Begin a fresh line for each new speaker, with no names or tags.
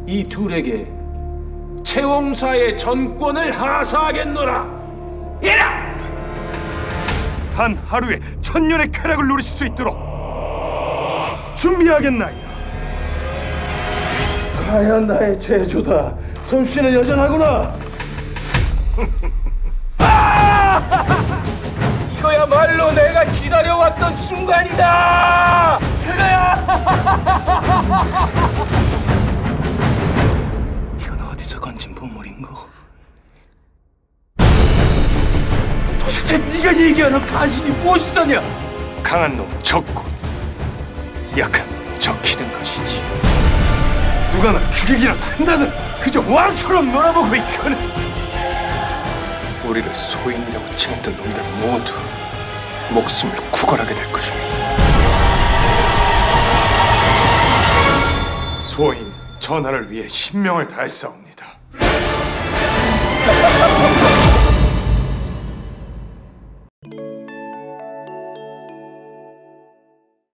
이 둘에게 채홍사의 전권을 하사하겠노라. 이라!
단 하루에 천년의 쾌락을 누리실 수 있도록 준비하겠나이다.
과연 나의 제조다. 솜씨는 여전하구나.
이거야말로 내가 기다려왔던 순간이다. 그거야. 이건 어디서 건진 보물인고? 도대체 네가 얘기하는 가신이 무엇이더냐?
강한 놈 적고 약한 놈 적히는 것이지. 누가 날 죽이기라도 한다든 그저 왕처럼 놀아보고 있거든. 우리를 소인이라고 칭했던 놈들 모두 목숨을 구걸하게 될 것입니다. 소인 전하를 위해 신명을 다했사옵니다.